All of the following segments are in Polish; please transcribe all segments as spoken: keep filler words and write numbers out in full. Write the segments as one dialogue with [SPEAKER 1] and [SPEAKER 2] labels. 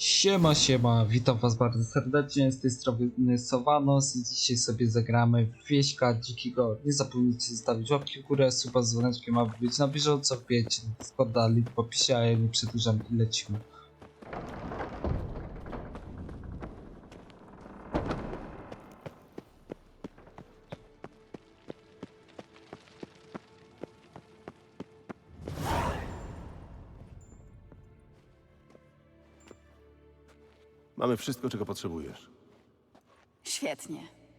[SPEAKER 1] Siema, siema, witam was bardzo serdecznie, z tej strony Sowanos i dzisiaj sobie zagramy w Wieśka Dzikiego. Nie zapomnijcie zostawić łapki w górę, suba z dzwoneczkiem, aby być na bieżąco, wbijajcie na Discorda, link w opisie, a ja nie przedłużam i lecimy.
[SPEAKER 2] Mamy wszystko, czego potrzebujesz.
[SPEAKER 3] Świetnie.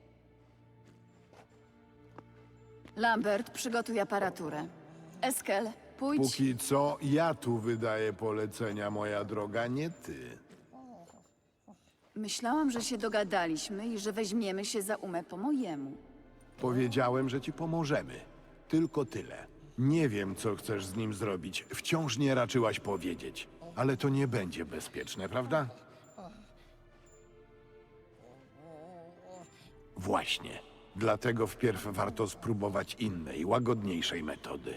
[SPEAKER 3] Lambert, przygotuj aparaturę. Eskel, pójdź.
[SPEAKER 4] Póki co ja tu wydaję polecenia, moja droga, nie ty.
[SPEAKER 3] Myślałam, że się dogadaliśmy i że weźmiemy się za umę po mojemu.
[SPEAKER 4] Powiedziałem, że ci pomożemy. Tylko tyle. Nie wiem, co chcesz z nim zrobić. Wciąż nie raczyłaś powiedzieć. Ale to nie będzie bezpieczne, prawda? Właśnie. Dlatego wpierw warto spróbować innej, łagodniejszej metody.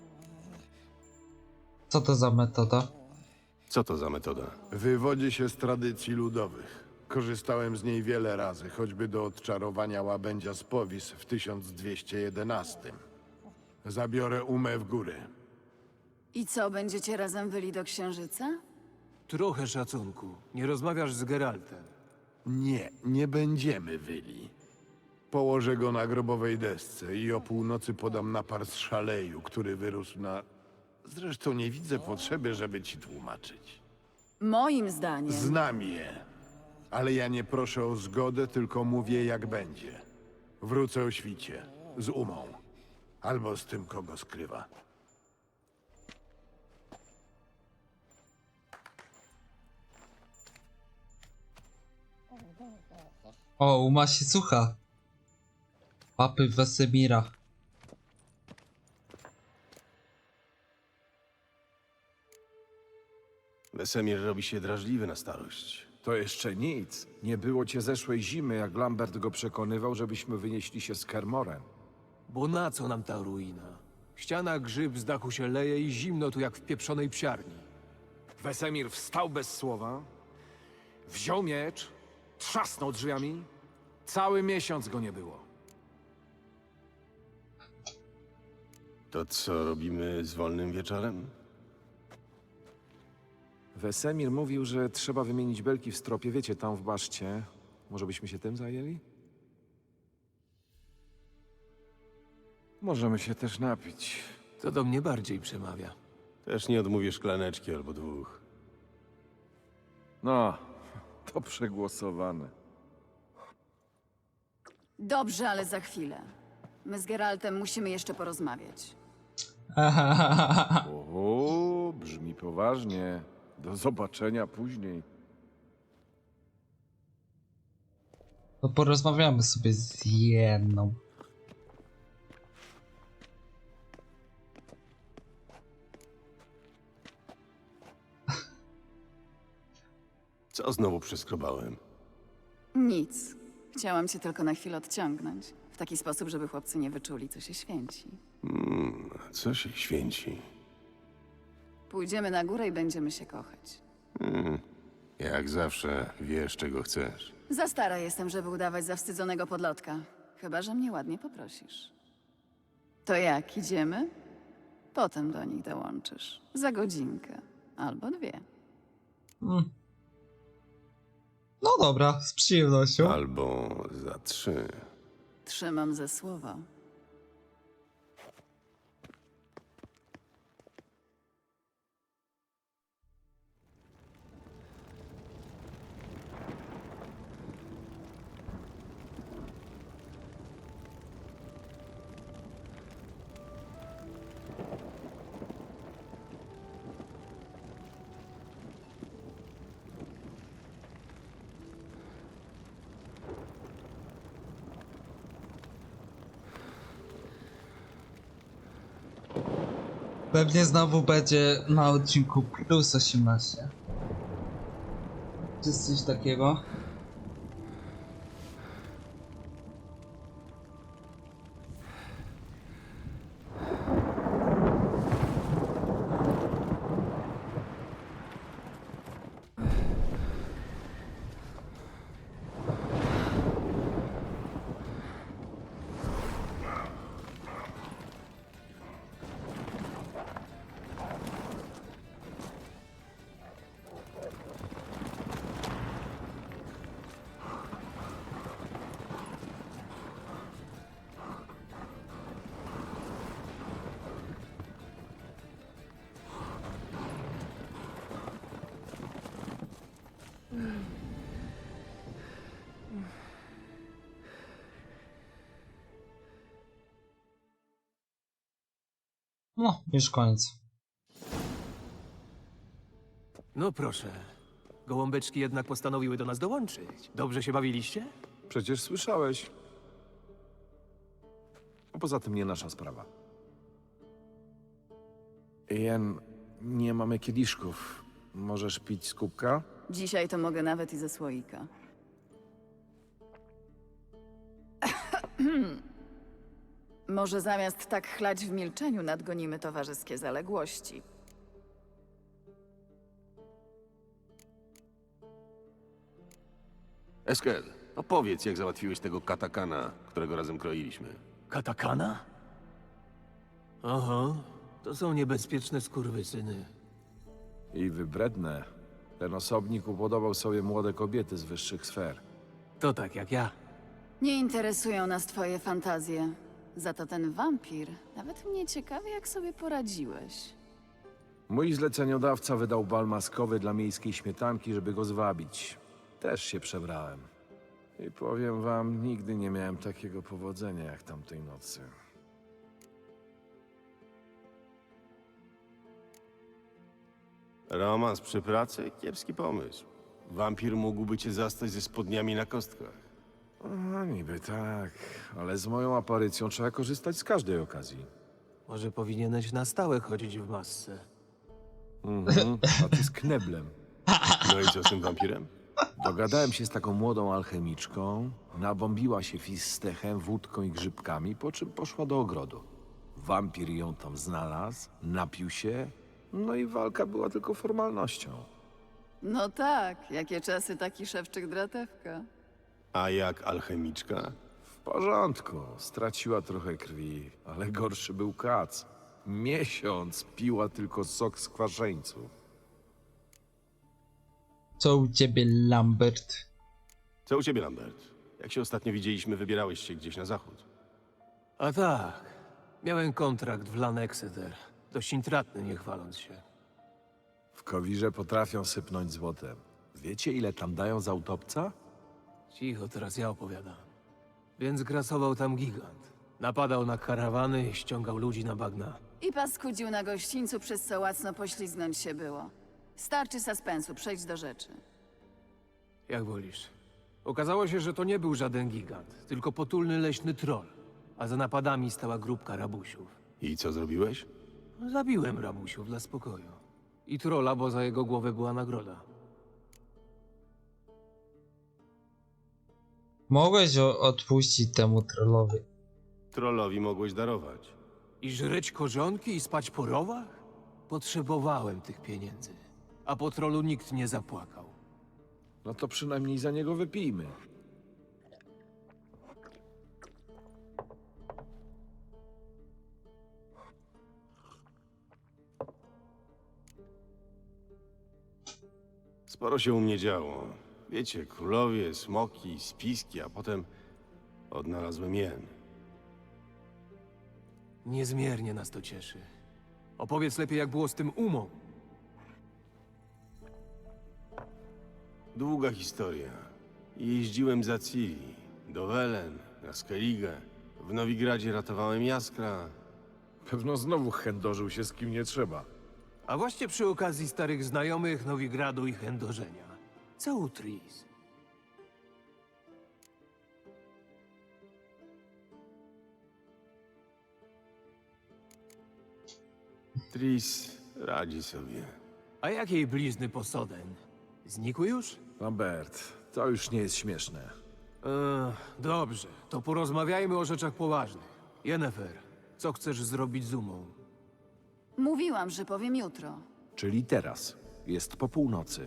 [SPEAKER 1] Co to za metoda?
[SPEAKER 2] Co to za metoda?
[SPEAKER 4] Wywodzi się z tradycji ludowych. Korzystałem z niej wiele razy, choćby do odczarowania łabędzia z Powis w tysiąc dwieście jedenastym. Zabiorę umę w góry.
[SPEAKER 3] I co, będziecie razem wyli do księżyca?
[SPEAKER 5] Trochę szacunku. Nie rozmawiasz z Geraltem.
[SPEAKER 4] Nie, nie będziemy wyli. Położę go na grobowej desce i o północy podam napar z szaleju, który wyrósł na... Zresztą nie widzę potrzeby, żeby ci tłumaczyć.
[SPEAKER 3] Moim zdaniem.
[SPEAKER 4] Znam je, ale ja nie proszę o zgodę, tylko mówię jak będzie. Wrócę o świcie, z umą, albo z tym, kogo skrywa.
[SPEAKER 1] O, Uma się słucha. Papy Wesemira.
[SPEAKER 2] Wesemir robi się drażliwy na starość.
[SPEAKER 6] To jeszcze nic. Nie było cię zeszłej zimy, jak Lambert go przekonywał, żebyśmy wynieśli się z Kermorem.
[SPEAKER 5] Bo na co nam ta ruina? Ściana grzyb z dachu się leje i zimno tu jak w pieprzonej psiarni.
[SPEAKER 6] Wesemir wstał bez słowa, wziął miecz, trzasnął drzwiami. Cały miesiąc go nie było.
[SPEAKER 2] To co robimy z wolnym wieczorem?
[SPEAKER 6] Wesemir mówił, że trzeba wymienić belki w stropie, wiecie, tam w baszcie. Może byśmy się tym zajęli? Możemy się też napić.
[SPEAKER 5] To do mnie bardziej przemawia.
[SPEAKER 2] Też nie odmówię szklaneczki albo dwóch.
[SPEAKER 6] No, to przegłosowane.
[SPEAKER 3] Dobrze, ale za chwilę. My z Geraltem musimy jeszcze porozmawiać.
[SPEAKER 6] O, brzmi poważnie. Do zobaczenia później.
[SPEAKER 1] To porozmawiamy sobie z jedną.
[SPEAKER 2] Co znowu przeskrobałem?
[SPEAKER 3] Nic. Chciałam cię tylko na chwilę odciągnąć. W taki sposób, żeby chłopcy nie wyczuli, co się święci.
[SPEAKER 2] Hmm, co się święci?
[SPEAKER 3] Pójdziemy na górę i będziemy się kochać.
[SPEAKER 2] Hmm, jak zawsze wiesz, czego chcesz.
[SPEAKER 3] Za stara jestem, żeby udawać zawstydzonego podlotka. Chyba że mnie ładnie poprosisz. To jak, idziemy? Potem do nich dołączysz. Za godzinkę. Albo dwie.
[SPEAKER 1] Mm. No dobra, z przyjemnością.
[SPEAKER 2] Albo za trzy.
[SPEAKER 3] Trzymam ze słowa.
[SPEAKER 1] Pewnie znowu będzie na odcinku plus osiemnaście. Czy jest coś takiego? No, już koniec.
[SPEAKER 5] No proszę. Gołąbeczki jednak postanowiły do nas dołączyć. Dobrze się bawiliście?
[SPEAKER 7] Przecież słyszałeś. A poza tym nie nasza sprawa. Jen, nie mamy kieliszków. Możesz pić z kubka?
[SPEAKER 3] Dzisiaj to mogę nawet i ze słoika. Może zamiast tak chlać w milczeniu nadgonimy towarzyskie zaległości.
[SPEAKER 2] Eskel, opowiedz, jak załatwiłeś tego katakana, którego razem kroiliśmy.
[SPEAKER 5] Katakana? Aha, to są niebezpieczne skurwysyny.
[SPEAKER 7] I wybredne. Ten osobnik upodobał sobie młode kobiety z wyższych sfer.
[SPEAKER 5] To tak jak ja.
[SPEAKER 3] Nie interesują nas twoje fantazje. Za to ten wampir. Nawet mnie ciekawi, jak sobie poradziłeś.
[SPEAKER 7] Mój zleceniodawca wydał bal maskowy dla miejskiej śmietanki, żeby go zwabić. Też się przebrałem. I powiem wam, nigdy nie miałem takiego powodzenia jak tamtej nocy.
[SPEAKER 2] Romans przy pracy? Kiepski pomysł. Wampir mógłby cię zastać ze spodniami na kostkach.
[SPEAKER 7] No, niby tak, ale z moją aparycją trzeba korzystać z każdej okazji.
[SPEAKER 5] Może powinieneś na stałe chodzić w masce.
[SPEAKER 7] Mhm, a ty z kneblem.
[SPEAKER 2] No i co z tym wampirem?
[SPEAKER 7] Dogadałem się z taką młodą alchemiczką, nabombiła się fistechem, wódką i grzybkami, po czym poszła do ogrodu. Wampir ją tam znalazł, napił się, no i walka była tylko formalnością.
[SPEAKER 3] No tak, jakie czasy taki szewczyk dratewka.
[SPEAKER 2] A jak alchemiczka?
[SPEAKER 7] W porządku, straciła trochę krwi, ale gorszy był kac. Miesiąc piła tylko sok z kwaszeńców.
[SPEAKER 1] Co u ciebie, Lambert?
[SPEAKER 2] Co u ciebie, Lambert? Jak się ostatnio widzieliśmy, wybierałeś się gdzieś na zachód.
[SPEAKER 5] A tak, miałem kontrakt w Lanexeter. Dość intratny, nie chwaląc się.
[SPEAKER 7] W Kowirze potrafią sypnąć złotem. Wiecie, ile tam dają za utopca?
[SPEAKER 5] Cicho, teraz ja opowiadam. Więc grasował tam gigant. Napadał na karawany i ściągał ludzi na bagna.
[SPEAKER 3] I paskudził na gościńcu, przez co łacno poślizgnąć się było. Starczy suspensu, przejdź do rzeczy.
[SPEAKER 5] Jak wolisz. Okazało się, że to nie był żaden gigant, tylko potulny leśny troll. A za napadami stała grupka rabusiów.
[SPEAKER 2] I co zrobiłeś?
[SPEAKER 5] Zabiłem rabusiów dla spokoju. I trolla, bo za jego głowę była nagroda.
[SPEAKER 1] Mogłeś o- odpuścić temu trollowi.
[SPEAKER 2] Trollowi mogłeś darować.
[SPEAKER 5] I żreć korzonki i spać po rowach? Potrzebowałem tych pieniędzy. A po trollu nikt nie zapłakał.
[SPEAKER 7] No to przynajmniej za niego wypijmy.
[SPEAKER 2] Sporo się u mnie działo. Wiecie, królowie, smoki, spiski, a potem odnalazłem jen.
[SPEAKER 5] Niezmiernie nas to cieszy. Opowiedz lepiej, jak było z tym umą.
[SPEAKER 2] Długa historia. Jeździłem za Ciri, do Welen, na Skellige. W Nowigradzie ratowałem Jaskra.
[SPEAKER 7] Pewno znowu chędożył się z kim nie trzeba.
[SPEAKER 5] A właśnie przy okazji starych znajomych Nowigradu i chędożenia. Co u Tris?
[SPEAKER 2] Tris radzi sobie.
[SPEAKER 5] A jak jej blizny posoden? Znikły już?
[SPEAKER 7] Lambert, to już nie jest śmieszne.
[SPEAKER 5] Eee, dobrze, to porozmawiajmy o rzeczach poważnych. Yennefer, co chcesz zrobić z umą?
[SPEAKER 3] Mówiłam, że powiem jutro.
[SPEAKER 7] Czyli teraz. Jest po północy.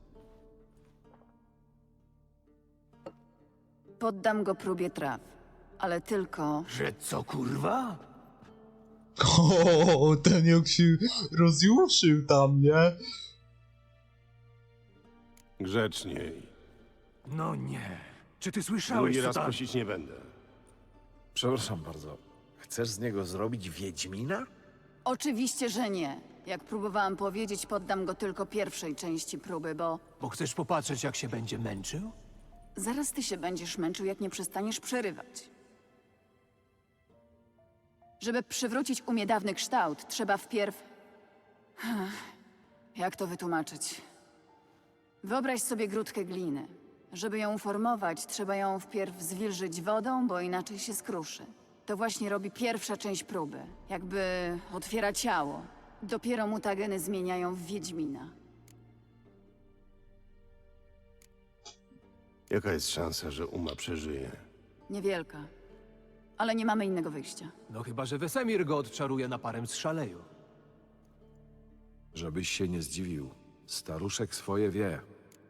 [SPEAKER 3] Poddam go próbie traw. Ale tylko...
[SPEAKER 5] Że co, kurwa?
[SPEAKER 1] O, ten jak się rozjuszył tam, nie?
[SPEAKER 2] Grzeczniej.
[SPEAKER 5] No nie. Czy ty słyszałeś,
[SPEAKER 2] Drugi
[SPEAKER 5] co
[SPEAKER 2] raz
[SPEAKER 5] tam...
[SPEAKER 2] prosić nie będę.
[SPEAKER 7] Przepraszam bardzo. Chcesz z niego zrobić Wiedźmina?
[SPEAKER 3] Oczywiście, że nie. Jak próbowałam powiedzieć, poddam go tylko pierwszej części próby, bo...
[SPEAKER 5] Bo chcesz popatrzeć, jak się będzie męczył?
[SPEAKER 3] Zaraz ty się będziesz męczył, jak nie przestaniesz przerywać. Żeby przywrócić umie dawny kształt, trzeba wpierw... Jak to wytłumaczyć? Wyobraź sobie grudkę gliny. Żeby ją uformować, trzeba ją wpierw zwilżyć wodą, bo inaczej się skruszy. To właśnie robi pierwsza część próby. Jakby otwiera ciało. Dopiero mutageny zmieniają w Wiedźmina.
[SPEAKER 2] Jaka jest szansa, że Uma przeżyje?
[SPEAKER 3] Niewielka. Ale nie mamy innego wyjścia.
[SPEAKER 5] No chyba, że Wesemir go odczaruje naparem z szaleju.
[SPEAKER 7] Żebyś się nie zdziwił. Staruszek swoje wie.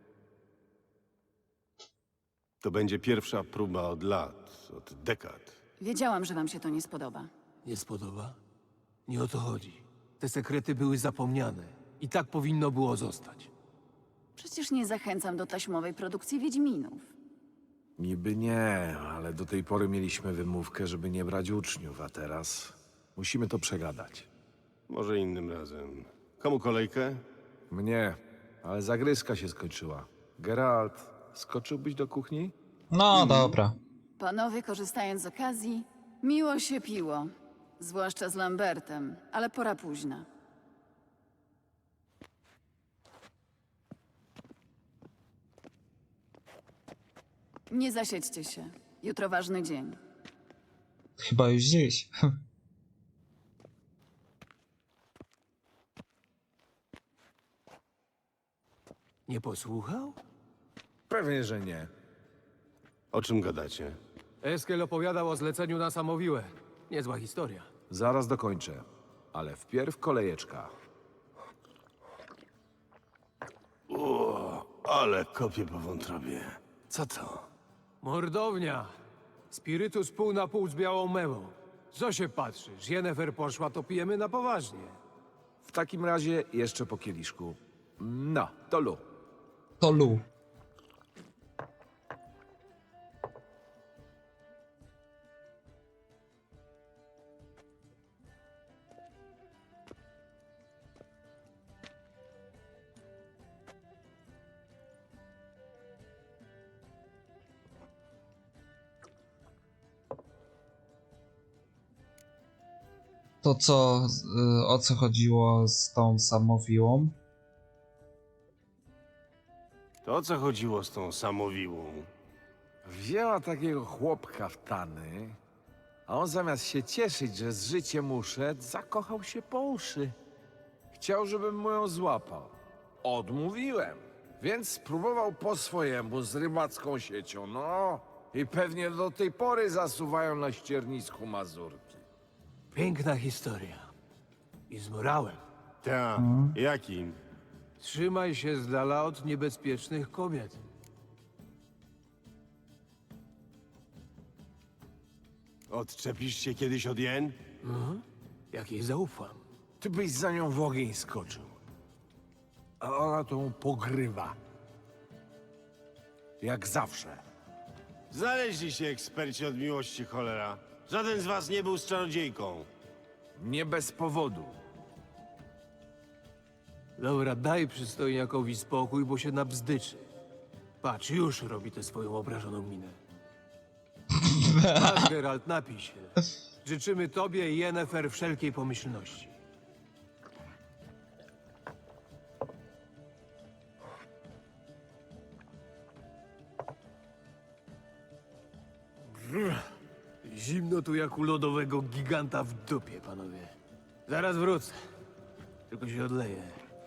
[SPEAKER 2] To będzie pierwsza próba od lat, od dekad.
[SPEAKER 3] Wiedziałam, że wam się to nie spodoba.
[SPEAKER 5] Nie spodoba? Nie o to chodzi. Te sekrety były zapomniane. I tak powinno było zostać.
[SPEAKER 3] Przecież nie zachęcam do taśmowej produkcji Wiedźminów.
[SPEAKER 7] Niby nie, ale do tej pory mieliśmy wymówkę, żeby nie brać uczniów, a teraz musimy to przegadać.
[SPEAKER 2] Może innym razem. Komu kolejkę?
[SPEAKER 7] Mnie, ale zagryzka się skończyła. Geralt, skoczyłbyś do kuchni?
[SPEAKER 1] No dobra.
[SPEAKER 3] Panowie, korzystając z okazji, miło się piło. Zwłaszcza z Lambertem, ale pora późna. Nie zasiedźcie się. Jutro ważny dzień.
[SPEAKER 1] Chyba już dziś.
[SPEAKER 5] Nie posłuchał?
[SPEAKER 7] Pewnie, że nie.
[SPEAKER 2] O czym gadacie?
[SPEAKER 5] Eskel opowiadał o zleceniu na Samowiłę. Niezła historia.
[SPEAKER 7] Zaraz dokończę. Ale wpierw kolejeczka.
[SPEAKER 2] O, ale kopię po wątrobie. Co to?
[SPEAKER 5] Mordownia. Spirytus pół na pół z białą mewą. Co się patrzysz? Jennefer poszła, to pijemy na poważnie.
[SPEAKER 7] W takim razie jeszcze po kieliszku. No, to lu.
[SPEAKER 1] To Lu. To co, y, o co chodziło z tą samowiłą?
[SPEAKER 2] To o co chodziło z tą samowiłą?
[SPEAKER 7] Wzięła takiego chłopka w tany, a on zamiast się cieszyć, że z życiem uszedł, zakochał się po uszy. Chciał, żebym mu ją złapał. Odmówiłem, więc spróbował po swojemu z rybacką siecią, no. I pewnie do tej pory zasuwają na ściernisku mazurki.
[SPEAKER 5] Piękna historia. I z morałem.
[SPEAKER 2] Ta, jakim?
[SPEAKER 5] Trzymaj się z dala od niebezpiecznych kobiet.
[SPEAKER 2] Odczepisz się kiedyś od jen?
[SPEAKER 5] Jak jej zaufam.
[SPEAKER 7] Ty byś za nią w ogień skoczył. A ona to mu pogrywa. Jak zawsze.
[SPEAKER 2] Znaleźli się eksperci od miłości, cholera. Żaden z was nie był z czarodziejką.
[SPEAKER 7] Nie bez powodu.
[SPEAKER 5] Dobra, daj przystojniakowi spokój, bo się nabzdyczy. Patrz, już robi tę swoją obrażoną minę. Masz, Geralt, napij się. Życzymy tobie i Yennefer wszelkiej pomyślności. Brr. Zimno tu jak u lodowego giganta w dupie, panowie. Zaraz wrócę. Tylko się odleję.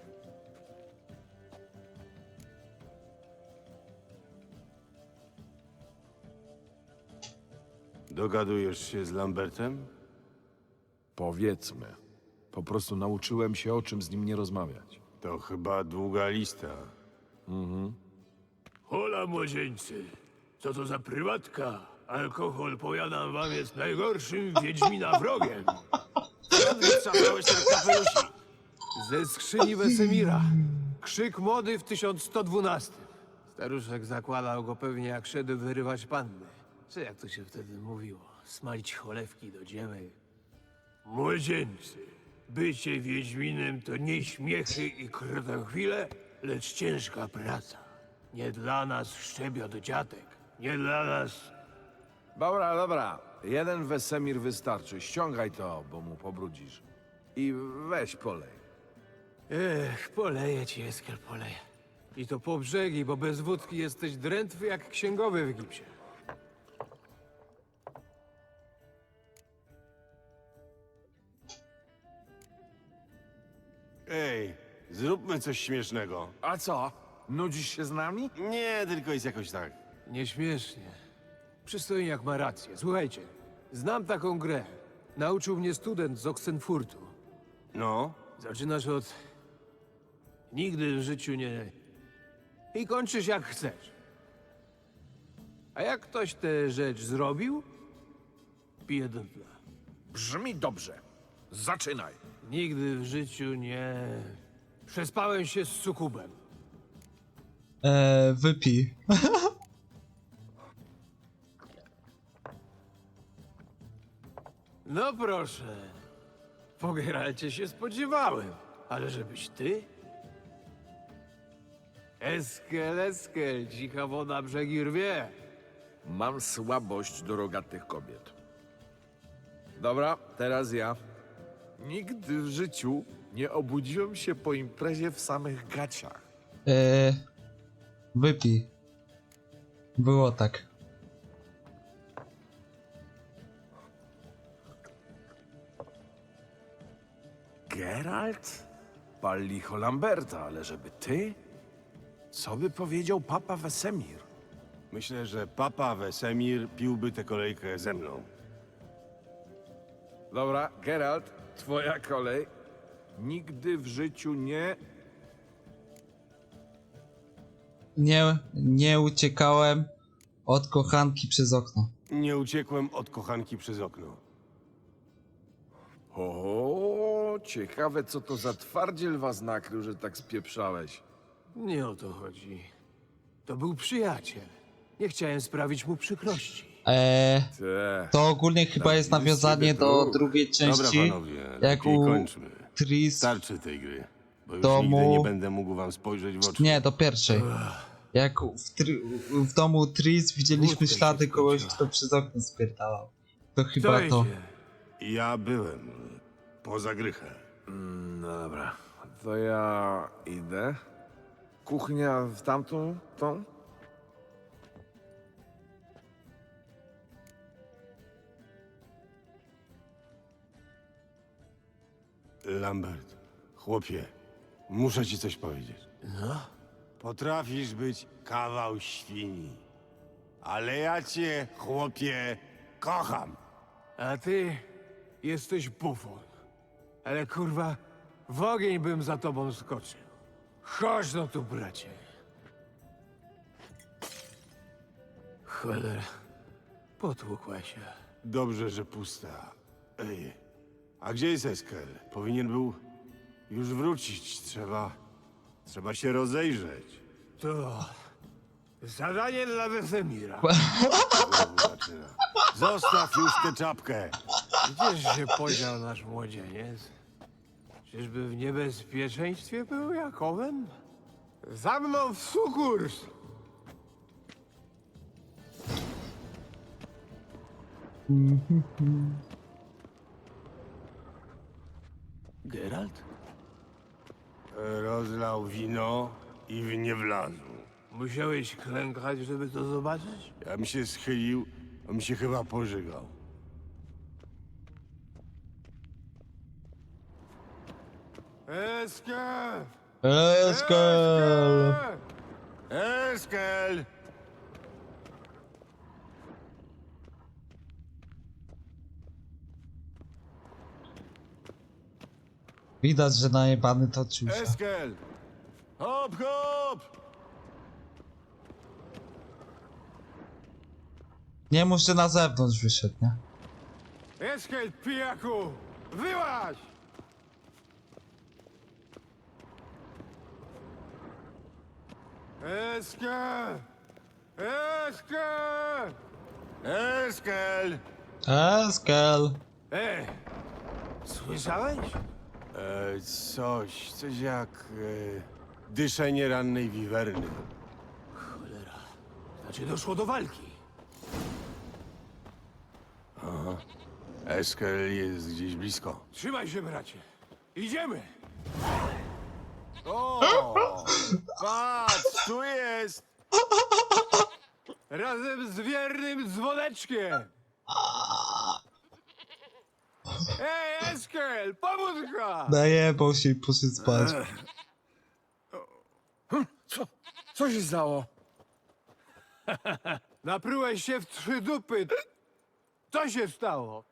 [SPEAKER 2] Dogadujesz się z Lambertem?
[SPEAKER 7] Powiedzmy. Po prostu nauczyłem się, o czym z nim nie rozmawiać.
[SPEAKER 2] To chyba długa lista.
[SPEAKER 5] Hola, młodzieńcy. Co to za prywatka? Alkohol, powiadam wam, jest najgorszym Wiedźmina wrogiem.
[SPEAKER 2] Skąd wytrzasnąłeś ten kapelusik?
[SPEAKER 5] Ze skrzyni Wesemira. Krzyk młody w tysiąc sto dwunastym. Staruszek zakładał go pewnie jak szedł wyrywać panny. Czy jak to się wtedy mówiło? Smalić cholewki do dziemek. Młodzieńcy, bycie Wiedźminem to nie śmiechy i krotochwile, lecz ciężka praca. Nie dla nas szczebiot dziadek. Nie dla nas...
[SPEAKER 7] Dobra, dobra. jeden Wesemir wystarczy. Ściągaj to, bo mu pobrudzisz. I weź polej.
[SPEAKER 5] Ech, poleję ci, Eskel, poleję. I to po brzegi, bo bez wódki jesteś drętwy jak księgowy w gipsie.
[SPEAKER 2] Ej, zróbmy coś śmiesznego.
[SPEAKER 7] A co? Nudzisz się z nami?
[SPEAKER 2] Nie, tylko jest jakoś tak.
[SPEAKER 5] Nieśmiesznie. Przystojniak ma rację. Słuchajcie, znam taką grę. Nauczył mnie student z Oxenfurtu.
[SPEAKER 2] No,
[SPEAKER 5] Zaczynasz od... Nigdy w życiu nie... I kończysz jak chcesz. A jak ktoś tę rzecz zrobił, pije do dna.
[SPEAKER 7] Brzmi dobrze. Zaczynaj.
[SPEAKER 5] Nigdy w życiu nie... Przespałem się z sukubem.
[SPEAKER 1] Eee, wypij.
[SPEAKER 5] No proszę. Po Geralcie się spodziewałem. Ale żebyś ty? Eskel, eskel, cicha woda brzegi rwie.
[SPEAKER 7] Mam słabość do rogatych kobiet. Dobra, teraz ja. Nigdy w życiu nie obudziłem się po imprezie w samych gaciach.
[SPEAKER 1] Eee, wypij. Było tak.
[SPEAKER 7] Geralt? Pal licho Lamberta, ale żeby ty? Co by powiedział papa Wesemir?
[SPEAKER 2] myślę, że papa Wesemir piłby tę kolejkę ze mną.
[SPEAKER 7] Dobra, Geralt, twoja kolej. Nigdy w życiu nie...
[SPEAKER 1] Nie, nie uciekałem od kochanki przez okno.
[SPEAKER 2] Nie uciekłem od kochanki przez okno.
[SPEAKER 7] O, ciekawe co to za twardziel was nakrył, że tak spieprzałeś.
[SPEAKER 5] Nie o to chodzi. To był przyjaciel. Nie chciałem sprawić mu przykrości.
[SPEAKER 1] Eee,
[SPEAKER 7] Te.
[SPEAKER 1] to ogólnie chyba jest nawiązanie do drugiej
[SPEAKER 2] Dobra,
[SPEAKER 1] części.
[SPEAKER 2] panowie,
[SPEAKER 1] Jak
[SPEAKER 2] lepiej
[SPEAKER 1] u
[SPEAKER 2] kończmy.
[SPEAKER 1] Tris.
[SPEAKER 2] Starczy tej gry, bo już
[SPEAKER 1] Domu-
[SPEAKER 2] nigdy nie będę mógł wam spojrzeć w oczy.
[SPEAKER 1] Nie, do pierwszej. Jak w, tr- w domu Tris widzieliśmy
[SPEAKER 5] Wódka się
[SPEAKER 1] ślady kogoś,
[SPEAKER 5] skończyła.
[SPEAKER 1] kto przez okno spierdalał. To
[SPEAKER 5] Kto
[SPEAKER 1] chyba to.
[SPEAKER 5] idzie?
[SPEAKER 2] Ja byłem poza grychę.
[SPEAKER 7] No dobra, to ja idę. Kuchnia w tamtą, tą?
[SPEAKER 2] Lambert, chłopie, muszę ci coś powiedzieć.
[SPEAKER 5] No?
[SPEAKER 2] Potrafisz być kawał świni, ale ja cię, chłopie, kocham.
[SPEAKER 5] A ty jesteś bufon. Ale kurwa, w ogień bym za tobą skoczył. Chodź no tu, bracie. Cholera, potłukła się.
[SPEAKER 2] Dobrze, że pusta. Ej, a gdzie jest Eskel? Powinien był już wrócić. Trzeba... Trzeba się rozejrzeć.
[SPEAKER 5] To zadanie dla Wesemira.
[SPEAKER 2] Znowu zaczyna. Zostaw już tę czapkę.
[SPEAKER 5] Gdzież się podział nasz młodzieniec? Czyżby w niebezpieczeństwie był Jakowem? Za mną w sukurs! Geralt?
[SPEAKER 2] Rozlał wino i w nie wlazł.
[SPEAKER 5] Musiałeś klękać, żeby to zobaczyć?
[SPEAKER 2] Ja bym się schylił, a mi się chyba pożygał.
[SPEAKER 5] Eskę!
[SPEAKER 1] Eskel!
[SPEAKER 2] Eskel!
[SPEAKER 1] Widać, że najebany to czucia.
[SPEAKER 2] Eskel! Hop, hop!
[SPEAKER 1] Nie mów, że na zewnątrz wyszedł, nie?
[SPEAKER 5] Eskel, pijaku! Wyłaź! Eskę! Eskę!
[SPEAKER 2] Eskel!
[SPEAKER 1] Eskel!
[SPEAKER 5] Ej! Słyszałeś?
[SPEAKER 2] E, coś, coś jak e, dyszenie rannej wiwerny.
[SPEAKER 5] Cholera. Znaczy doszło do walki.
[SPEAKER 2] Eskel jest gdzieś blisko.
[SPEAKER 5] Trzymaj się, bracie. Idziemy!
[SPEAKER 2] O! Patrz, tu jest!
[SPEAKER 5] Razem z wiernym dzwoneczkiem! Ej, Eskel, pomóżka!
[SPEAKER 1] Najebał się i poszedł spać.
[SPEAKER 7] Co? Co się stało?
[SPEAKER 5] Naprułeś się w trzy dupy. Co się stało?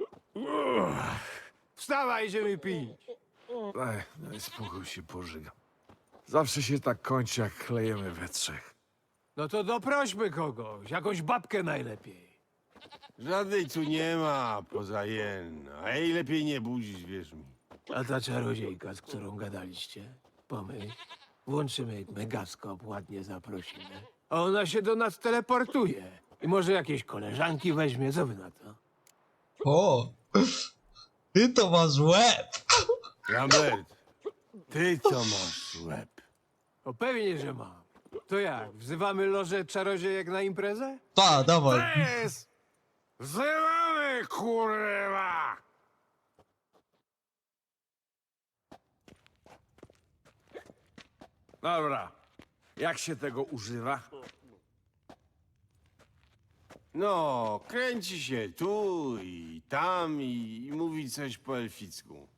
[SPEAKER 5] Wstawaj, idziemy pić.
[SPEAKER 7] Ej, no i spokój się pożygam. Zawsze się tak kończy, jak klejemy we trzech.
[SPEAKER 5] No to doprośmy kogoś, jakąś babkę najlepiej.
[SPEAKER 2] Żadnej tu nie ma, poza jen. A jej lepiej nie budzić, wierz mi.
[SPEAKER 5] A ta czarodziejka, z którą gadaliście? Pomyśl, włączymy megaskop, ładnie zaprosimy. A ona się do nas teleportuje. I może jakieś koleżanki weźmie, co wy na to?
[SPEAKER 1] O! Ty to masz łeb!
[SPEAKER 2] Lambert, ty to masz łeb.
[SPEAKER 5] O pewnie, że mam. To jak, wzywamy lożę czarodziejek na imprezę?
[SPEAKER 1] Ta, dawaj.
[SPEAKER 2] Jest! Wzywamy, kurwa!
[SPEAKER 7] Dobra. Jak się tego używa?
[SPEAKER 2] No, kręci się tu i tam i, i mówi coś po elficku.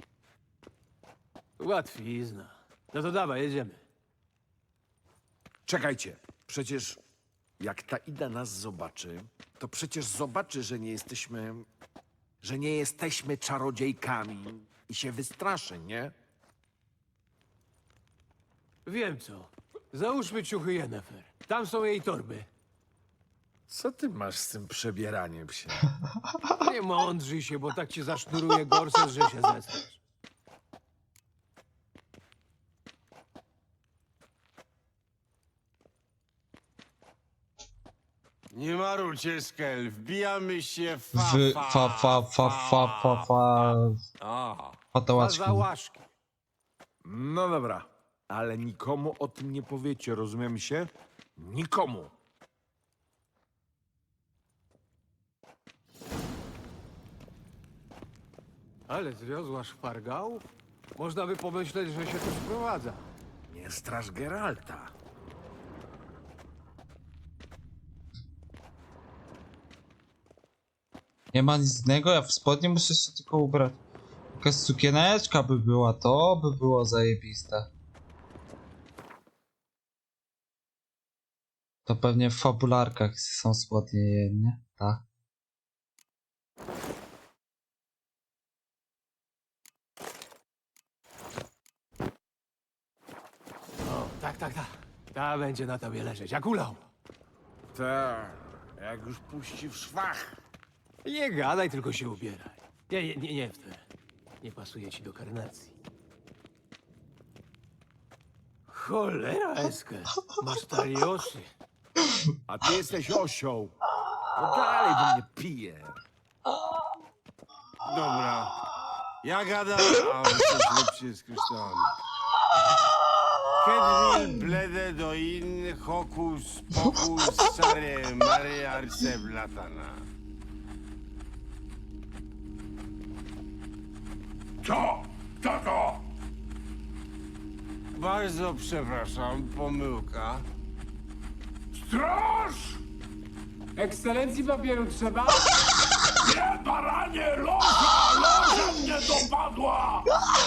[SPEAKER 5] Łatwizna. No to dawaj, jedziemy.
[SPEAKER 7] Czekajcie. Przecież jak ta Ida nas zobaczy, to przecież zobaczy, że nie jesteśmy... że nie jesteśmy czarodziejkami i się wystraszy, nie?
[SPEAKER 5] Wiem co. Załóżmy ciuchy Yennefer. Tam są jej torby.
[SPEAKER 7] Co ty masz z tym przebieraniem się?
[SPEAKER 5] Nie mądrzyj się, bo tak ci zasznuruje gorset, że się zesrasz.
[SPEAKER 2] Nie marujcie, Skel, wbijamy się w fa,
[SPEAKER 1] W
[SPEAKER 2] fa,
[SPEAKER 1] fa fa fa fa fa fa
[SPEAKER 2] A,
[SPEAKER 1] patałaczki.
[SPEAKER 5] Za łaszki.
[SPEAKER 7] No dobra, ale nikomu o tym nie powiecie, rozumiem się? Nikomu.
[SPEAKER 5] Ale zwiozła szpargałów? Można by pomyśleć, że się tu sprowadza.
[SPEAKER 7] Nie straż Geralta.
[SPEAKER 1] Nie ma nic innego, ja w spodnie muszę się tylko ubrać. Jakaś sukieneczka by była, to by było zajebiste. To pewnie w fabularkach są spodnie, nie? Tak.
[SPEAKER 5] O, tak, tak, tak. Ta będzie na tobie leżeć, jak ulał.
[SPEAKER 7] Tak, jak już puści w szwach.
[SPEAKER 5] Nie gadaj, tylko się ubieraj. Nie, nie, nie, nie w te. Nie pasuje ci do karnacji. Cholera, Eskel. Masz taliosy.
[SPEAKER 7] A ty jesteś osioł. No dalej, bo mnie pije.
[SPEAKER 2] dobra. Ja gadam, a wy coś lepsze z kryształami. Kedwil blede do in, hokus pokus, sare mare arce blatana.
[SPEAKER 4] Co? Kto to?
[SPEAKER 2] Bardzo przepraszam, pomyłka.
[SPEAKER 4] Straż!
[SPEAKER 5] Ekscelencji papieru trzeba?
[SPEAKER 4] Nie, baranie, loża! Loża mnie dopadła!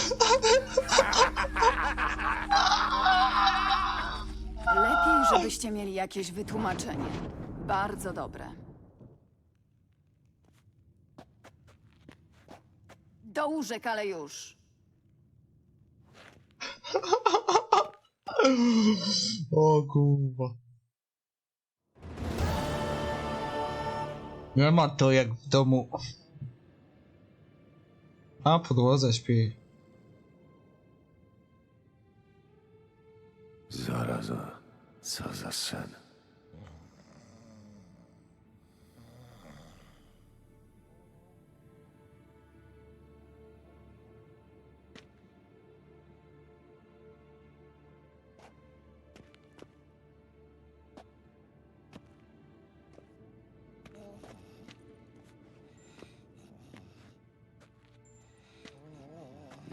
[SPEAKER 3] Lepiej, żebyście mieli jakieś wytłumaczenie. Bardzo dobre. Do łóżek, ale już.
[SPEAKER 1] O kurwa. Nie ma to jak w domu. A podłodze śpi.
[SPEAKER 5] Zaraza, co za sen.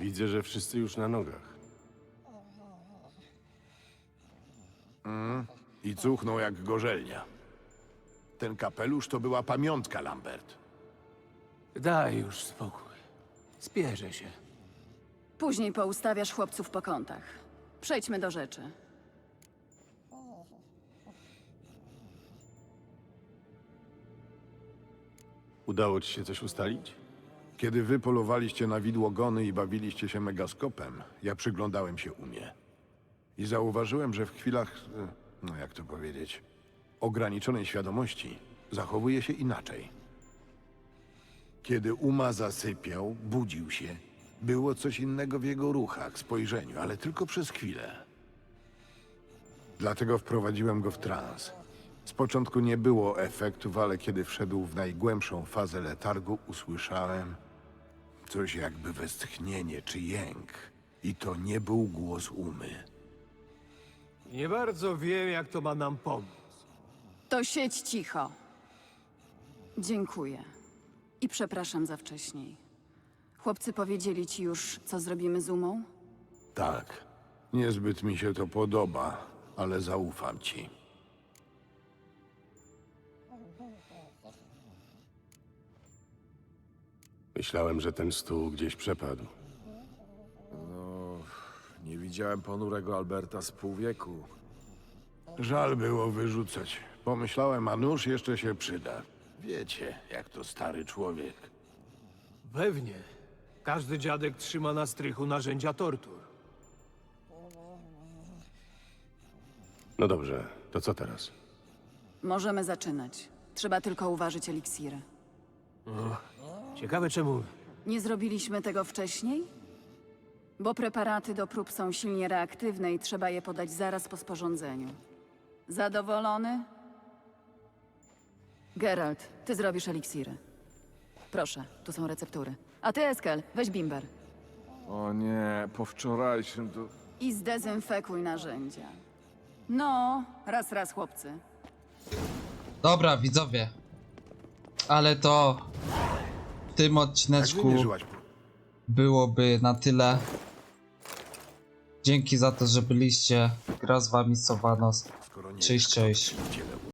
[SPEAKER 2] Widzę, że wszyscy już na nogach.
[SPEAKER 4] I cuchnął jak gorzelnia. Ten kapelusz to była pamiątka, Lambert.
[SPEAKER 5] Daj już spokój. Spierzę się.
[SPEAKER 3] Później poustawiasz chłopców po kątach. Przejdźmy do rzeczy.
[SPEAKER 2] Udało ci się coś ustalić?
[SPEAKER 4] Kiedy wy polowaliście na widłogony i bawiliście się megaskopem, ja przyglądałem się Umie. I zauważyłem, że w chwilach, e, no jak to powiedzieć, ograniczonej świadomości zachowuje się inaczej. Kiedy Uma zasypiał, budził się, było coś innego w jego ruchach, spojrzeniu, ale tylko przez chwilę. Dlatego wprowadziłem go w trans. Z początku nie było efektów, ale kiedy wszedł w najgłębszą fazę letargu, usłyszałem coś jakby westchnienie czy jęk. I to nie był głos Umy.
[SPEAKER 5] Nie bardzo wiem, jak to ma nam pomóc.
[SPEAKER 3] To siedź cicho. Dziękuję. I przepraszam za wcześniej. Chłopcy powiedzieli ci już, co zrobimy z Umą?
[SPEAKER 4] Tak, niezbyt mi się to podoba, ale zaufam ci.
[SPEAKER 2] Myślałem, że ten stół gdzieś przepadł.
[SPEAKER 7] No, nie widziałem ponurego Alberta z pół wieku.
[SPEAKER 4] Żal było wyrzucać. Pomyślałem, a nóż jeszcze się przyda. Wiecie, jak to stary człowiek.
[SPEAKER 5] Pewnie. Każdy dziadek trzyma na strychu narzędzia tortur.
[SPEAKER 2] No dobrze, to co teraz?
[SPEAKER 3] Możemy zaczynać. Trzeba tylko uważać eliksiry.
[SPEAKER 5] Ciekawe czemu.
[SPEAKER 3] Nie zrobiliśmy tego wcześniej? Bo preparaty do prób są silnie reaktywne i trzeba je podać zaraz po sporządzeniu. Zadowolony? Geralt, ty zrobisz eliksiry. Proszę, tu są receptury. A ty, Eskel, weź bimber.
[SPEAKER 7] O nie, po wczorajszym to...
[SPEAKER 3] I zdezynfekuj narzędzia. No, raz, raz, chłopcy.
[SPEAKER 1] Dobra, widzowie. Ale to w tym
[SPEAKER 4] Jak
[SPEAKER 1] odcineczku
[SPEAKER 4] wymierzyłaś?
[SPEAKER 1] byłoby na tyle. Dzięki za to, że byliście. Gra z wami Sowanos.
[SPEAKER 4] Skoro nie
[SPEAKER 1] Cześć, cześć.
[SPEAKER 4] wiesz, kto w ciele